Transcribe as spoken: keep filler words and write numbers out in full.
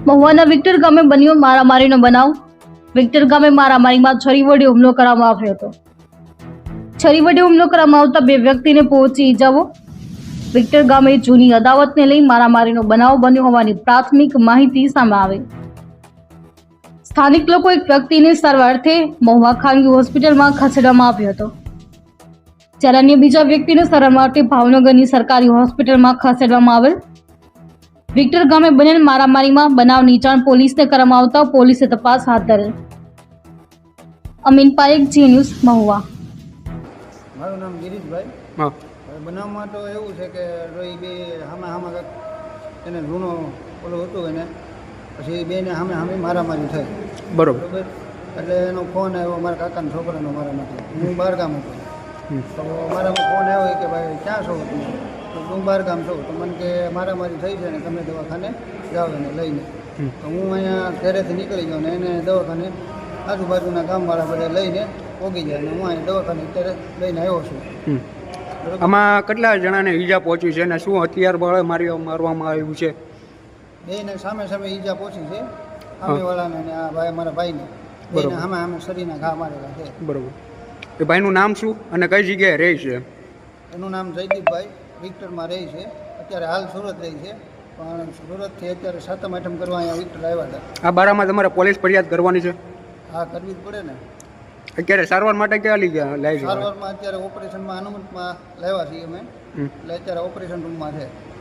મહુવાના Victor ગામે બન્યો મારામારીનો બનાવ. વિક્ટર ગામે મારામારીમાં છરી વડે હુમલો કરવામાં આવ્યો હતો. છરી વડે હુમલો કરવામાં આવતા બે વ્યક્તિને પહોંચી ઇજાઓ. વિક્ટર ગામે જૂની અદાવતને લઈ મારામારીનો બનાવ બન્યો હોવાની પ્રાથમિક માહિતી સામે આવી. સ્થાનિક લોકો એક વ્યક્તિને સારવાર અર્થે મહુવા ખાનગી હોસ્પિટલમાં ખસેડવામાં આવ્યો હતો, જ્યારે અન્ય બીજા વ્યક્તિને સારવાર માટે ભાવનગરની સરકારી હોસ્પિટલમાં ખસેડવામાં આવેલ. વિક્ટર ગામે બનેલ મારામારીમાં બનાવની જાણ પોલીસને કરવામાં આવતા પોલીસે તપાસ હાથ ધરેલ. અમીન પારેખ, જી ન્યૂઝ, મહુવા. મારું નામ ગિરીશભાઈ. હા હવે બનાવમાં તો એવું છે કે રોઈ બે હામે હામે કાંઈક એને જૂનો ઓલો હતું એને પછી બેને હામે હામે મારામારી થઈ. બરોબર. બરોબર. એટલે એનો ફોન આવ્યો મારા કાકાના છોકરાનો મારામાંથી. હું બહાર ગામ હતો તો મારામાં ફોન આવ્યો કે ભાઈ ક્યાં છો તમે? તો હું બહાર ગામ છું. તો મને કે મારામારી થઈ છે ને તમે દવાખાને જાઓ એને લઈને. તો હું અહીંયા ઘરેથી નીકળી ગયો ને એને દવાખાને આજુબાજુના ગામવાળા બધા લઈને પોગી જાય અને હું અહીંયા દવાખાને અત્યારે લઈને આવ્યો છું. બરોબર. આમાં કેટલા જણાને ઈજા પહોંચી છે અને શું હથિયાર બળે મારી મારવામાં આવ્યું છે? બેને સામે સામે ઈજા પહોંચી છે, સામેવાળાને અને આ ભાઈ મારા ભાઈને. બેને સામે સામે શરીરના ઘા મારેલા છે. બરોબર. એ ભાઈનું નામ શું અને કઈ જગ્યાએ રહે છે? એનું નામ જયદીપભાઈ, વિક્ટરમાં રહે છે. અત્યારે હાલ સુરત રહે છે, પણ સુરતથી અત્યારે સાતમ આઠમ કરવા અહીંયા વિક્ટર આવ્યા હતા. આ બારામાં તમારે પોલીસ ફરિયાદ કરવાની છે? હા, કરવી જ પડે ને. અત્યારે સારવાર માટે ક્યાં લઈ ગયા લાવી છે? સારવારમાં અત્યારે ઓપરેશનમાં અનુમતમાં લાવ્યા છીએ અમે, એટલે અત્યારે ઓપરેશન રૂમમાં છે.